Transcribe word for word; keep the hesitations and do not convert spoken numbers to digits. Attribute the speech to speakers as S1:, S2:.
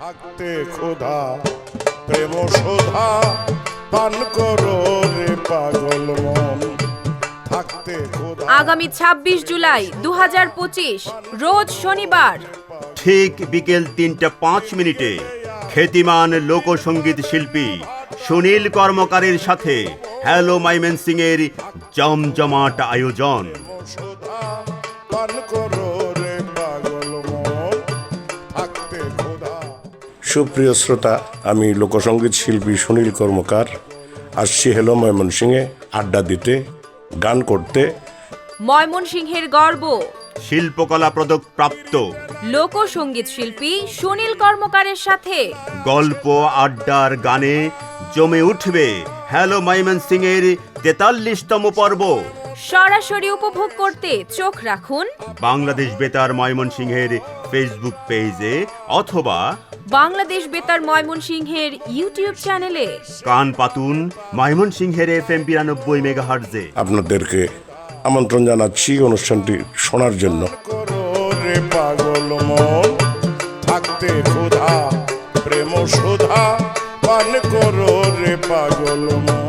S1: থাকতে ক্ষুধা প্রেম সুধা পান করো রে পাগল মন থাকতে ক্ষুধা।
S2: আগামী ছাব্বিশ জুলাই দু হাজার পঁচিশ রোজ শনিবার
S3: ঠিক বিকেল তিনটা পাঁচ মিনিটে খ্যাতিমান লোকসঙ্গীত শিল্পী সুনীল কর্মকারের সাথে হ্যালো ময়মনসিংহ এর জমজমাট আয়োজন।
S1: সুধা পান করো রে পাগল মন থাকতে ক্ষুধা। সুপ্রিয় শ্রোতা, আমি লোকসঙ্গীত শিল্পী সুনীল কর্মকার আসছি হ্যালো ময়মনসিংহে আড্ডা দিতে, গান করতে।
S2: ময়মনসিংহের গর্ব
S3: শিল্পকলা পদক প্রাপ্ত
S2: লোকসঙ্গীত শিল্পী সুনীল কর্মকারের সাথে
S3: গল্প আড্ডার গানে জমে উঠবে হ্যালো ময়মনসিংহ এর তেতাল্লিশতম পর্ব।
S2: সরাসরি উপভোগ করতে চোখ রাখুন
S3: বাংলাদেশ বেতার ময়মনসিংহের ফেসবুক পেজে অথবা
S2: বাংলাদেশ বেতার ময়মনসিংহের ইউটিউব চ্যানেলে।
S3: কান পাতুন ময়মনসিংহের এফ এম বিরানব্বই মেগাহার্জে।
S1: আপনাদেরকে আমন্ত্রণ জানাচ্ছি অনুষ্ঠানটি শোনার জন্য। রে পাগল মন থাকতে ক্ষুধা প্রেম সুধা পান করো রে পাগল মন।